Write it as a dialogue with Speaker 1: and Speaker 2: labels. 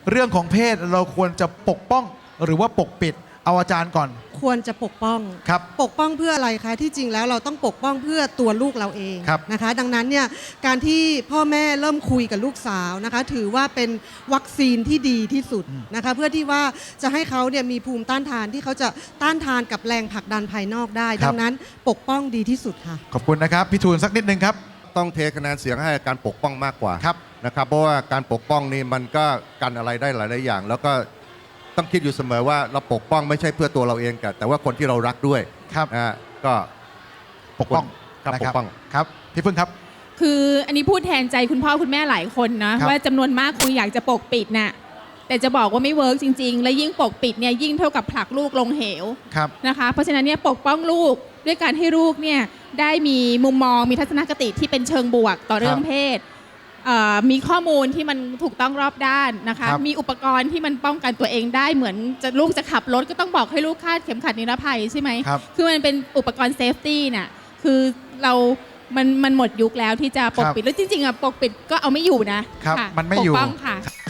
Speaker 1: เรื่องของเพศเราควรจะปกป้องหรือว่าปกปิดเอาอาจารย์ก่อน
Speaker 2: ควรจะปกป้อง
Speaker 1: ครับ
Speaker 2: ปกป้องเพื่ออะไรคะที่จริงแล้วเราต้องปกป้องเพื่อตัวลูกเราเองนะคะดังนั้นเนี่ยการที่พ่อแม่เริ่มคุยกับลูกสาวนะคะถือว่าเป็นวัคซีนที่ดีที่สุดนะคะเพื่อที่ว่าจะให้เขาเนี่ยมีภูมิต้านทานที่เขาจะต้านทานกับแรงผลักดันภายนอกได้ดังนั้นปกป้องดีที่สุดค่ะ
Speaker 1: ขอบคุณนะครับพี่ทูลสักนิดนึงครับ
Speaker 3: ต้องเทคะแนนเสียงให้การปกป้องมากกว่า
Speaker 1: ครับ
Speaker 3: นะครับเพราะว่าการปกป้องนี่มันก็กันอะไรได้หลายๆอย่างแล้วก็ต้องคิดอยู่เสมอว่าเราปกป้องไม่ใช่เพื่อตัวเราเองแต่ว่าคนที่เรารักด้วย
Speaker 1: ครับ
Speaker 3: ก็
Speaker 1: ปกป้อง
Speaker 3: ครับปกป้อง
Speaker 1: ครับพี่พึ่งครับ
Speaker 4: คืออันนี้พูดแทนใจคุณพ่อคุณแม่หลายคนนะว่าจำนวนมากคุยอยากจะปกปิดน่ะแต่จะบอกว่าไม่เวิร์กจริงๆและยิ่งปกปิดเนี่ยยิ่งเท่ากับผลักลูกลงเหวนะคะเพราะฉะนั้นเนี่ยปกป้องลูกด้วยการให้ลูกเนี่ยได้มีมุมมองมีทัศนคติที่เป็นเชิงบวกต่อเรื่องเพศมีข้อมูลที่มันถูกต้องรอบด้านนะคะมีอุปกรณ์ที่มันป้องกันตัวเองได้เหมือนลูกจะขับรถก็ต้องบอกให้ลูกคาดเข็มขัดนิรภัยใช่ไหมคือมันเป็นอุปกรณ์เซฟตี้น่ะคือมันหมดยุคแล้วที่จะปกปิดแล้วจริงๆอ่ะปกปิดก็เอาไม่อยู่นะครับ
Speaker 1: มันไม่อยู่
Speaker 4: ปกป้องค่ะ